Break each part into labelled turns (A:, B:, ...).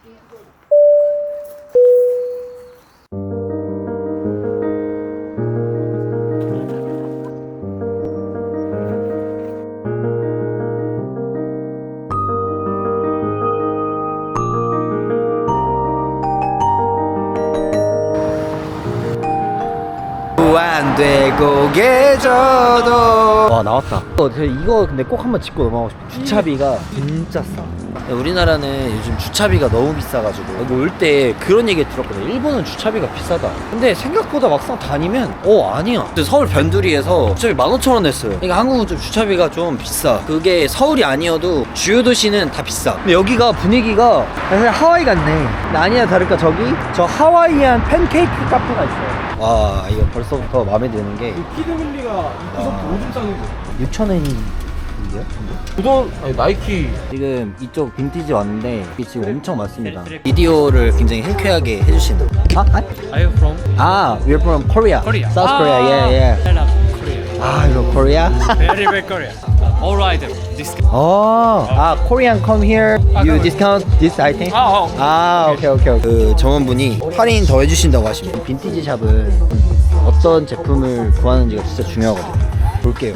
A: 안 되고 계셔도.
B: 와 나왔다. 이거 근데 꼭 한번 짚고 넘어가고 싶어. 주차비가 진짜 싸.
A: 우리나라는 요즘 주차비가 너무 비싸가지고 올 때 그런 얘기 들었거든. 일본은 주차비가 비싸다. 근데 생각보다 막상 다니면 아니야. 서울 변두리에서 주차비 15,000원 냈어요. 그러니까 한국은 좀 주차비가 좀 비싸. 그게 서울이 아니어도 주요 도시는 다 비싸. 근데 여기가 분위기가 사실 하와이 같네. 근데 아니나 다를까 저 하와이안 팬케이크 카페가 있어요. 와 이거 벌써부터 마음에 드는 게
C: 키드밀리가 입구서부터 오줌 싸는 거.
A: 6,000원인데요?
C: 우선 나이키.
A: 지금 이쪽 빈티지 왔는데 이게 지금 엄청 많습니다. 비디오를 굉장히 흔쾌하게 해주신다.
D: Are you from
A: We're from Korea.
D: Korea?
A: South Korea. Yeah.
D: I love Korea.
A: 이거 Korea?
D: Very, very Korea. All right. This.
A: Korean come here. You discount this item? 오케이. 그 점원분이 할인 더 해주신다고 하십니다. 빈티지 샵은 어떤 제품을 구하는지가 진짜 중요하거든요. 볼게요.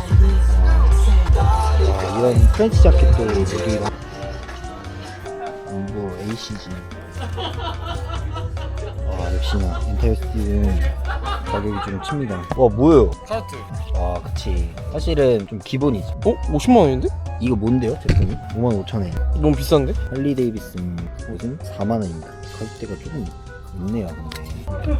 A: 이런 프렌치 자켓도 여기가 뭐 ACG. 역시나 인테리어는 가격이 좀 칩니다. 와 뭐예요?
C: 카트.
A: 그치. 사실은 좀 기본이지.
C: 50만 원인데?
A: 이거 뭔데요 제품이? 55,000원.
C: 너무 비싼데?
A: 할리 데이비슨 옷은 4만원입니다. 가격대가 조금 있네요 근데.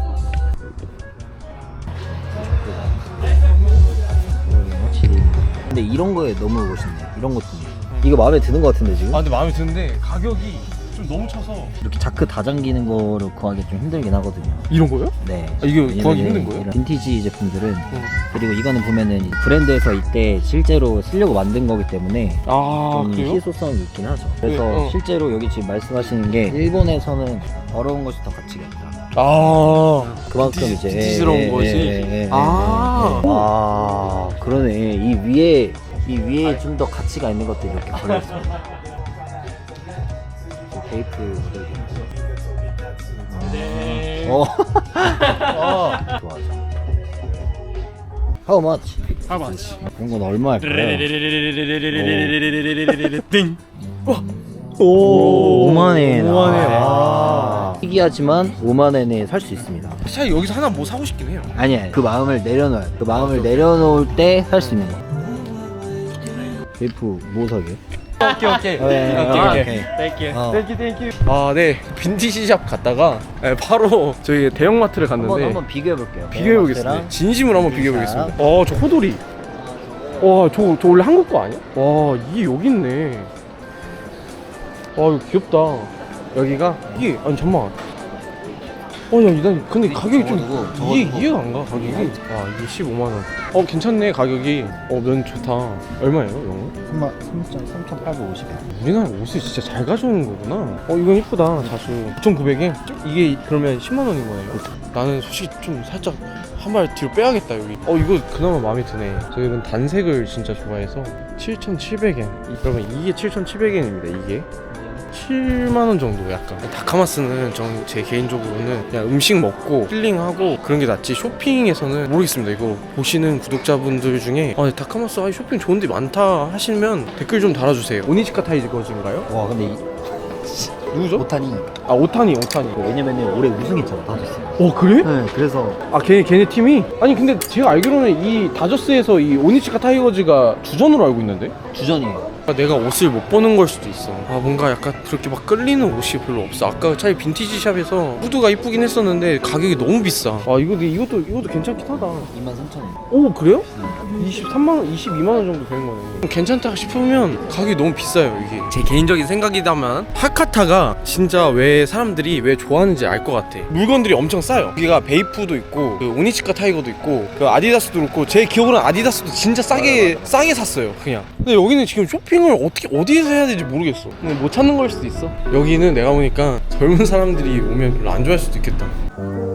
A: 확실히. 근데 이런 거에 너무 멋있네. 이런 것도. 이거 마음에 드는 거 같은데 지금?
C: 근데 마음에 드는데 가격이 좀 너무 쳐서.
A: 이렇게 자크 다 잠기는 거를 구하기 좀 힘들긴 하거든요.
C: 이런 거요?
A: 네.
C: 이게
A: 왜냐면은
C: 구하기 힘든 거예요?
A: 이런 빈티지 제품들은 그리고 이거는 보면은 브랜드에서 이때 실제로 쓰려고 만든 거기 때문에 좀
C: 그래요?
A: 희소성이 있긴 하죠. 그래서
C: 네,
A: 실제로 여기 지금 말씀하시는 게 일본에서는 더러운 것이 더 가치가 있다. 그만큼 이제
C: 빈티지스러운 것이.
A: 그러네. 이 위에 좀 더 가치가 있는 것들이 이렇게 걸려 있어요. 베이프 모델이. 좋아하죠. How much?
D: How much?
A: 이런 건 얼마일까요?
D: 띵.
A: 5만엔. 희귀하지만 5만엔에 살 수 있습니다.
C: 사실 여기서 하나 뭐 사고 싶긴 해요.
A: 아니야, 그 마음을 내려놓아요. 그 마음을 내려놓을 때 살 수 있는 거. 베이프 뭐 사게?
C: 오케이.
D: Thank you.
C: 땡큐. 네. 빈티지 샵 갔다가 바로 저희 대형마트를 갔는데
A: 한번 비교해볼게요.
C: 비교해보겠습니다. 진심으로 한번 비교해보겠습니다. 저 호돌이. 저 원래 한국 거 아니야? 와, 이게 여기 있네. 이거 귀엽다. 여기가 이게 잠깐만. 난 근데 가격이 좀 이해가 안 가. 가격이. 이게 15만 원. 괜찮네 가격이. 면 좋다. 얼마예요, 이거?
A: 3,850원.
C: 우리나라 옷을 진짜 잘 가져오는 거구나. 이건 이쁘다. 자수 9,900엔? 이게 그러면 10만 원인 거네요. 나는 솔직히 좀 살짝 한 발 뒤로 빼야겠다 여기. 이거 그나마 마음에 드네. 저희는 단색을 진짜 좋아해서 7,700엔. 그러면 이게 7,700엔입니다. 이게 7만원 정도. 약간 다카마스는 제 개인적으로는 그냥 음식 먹고 힐링하고 그런 게 낫지, 쇼핑에서는 모르겠습니다. 이거 보시는 구독자분들 중에 다카마스 쇼핑 좋은 데 많다 하시면 댓글 좀 달아주세요. 오니지카 타이거즈인가요?
A: 와, 근데
C: 누구죠?
A: 오타니.
C: 오타니.
A: 왜냐면은 올해 우승했잖아, 다저스.
C: 그래?
A: 네, 그래서.
C: 걔네 팀이? 아니 근데 제가 알기로는 이 다저스에서 이 오니치카 타이거즈가 주전으로 알고 있는데?
A: 주전이에요.
C: 내가 옷을 못 보는 걸 수도 있어. 뭔가 약간 그렇게 막 끌리는 옷이 별로 없어. 아까 차라리 빈티지 샵에서 후드가 이쁘긴 했었는데 가격이 너무 비싸. 이것도 괜찮긴 하다.
A: 23,000원.
C: 오, 그래요? 23만원, 22만원 정도 되는 거네. 괜찮다 싶으면 가격이 너무 비싸요. 이게 제 개인적인 생각이다만 하카타가 진짜 왜 사람들이 왜 좋아하는지 알 것 같아. 물건들이 엄청 싸요. 여기가 베이프도 있고 그 오니치카 타이거도 있고 그 아디다스도 그렇고, 제 기억으로는 아디다스도 진짜 싸게 샀어요 그냥. 근데 여기는 지금 쇼핑을 어디에서 해야 될지 모르겠어. 근데 못 찾는 걸 수도 있어. 여기는 내가 보니까 젊은 사람들이 오면 별로 안 좋아할 수도 있겠다.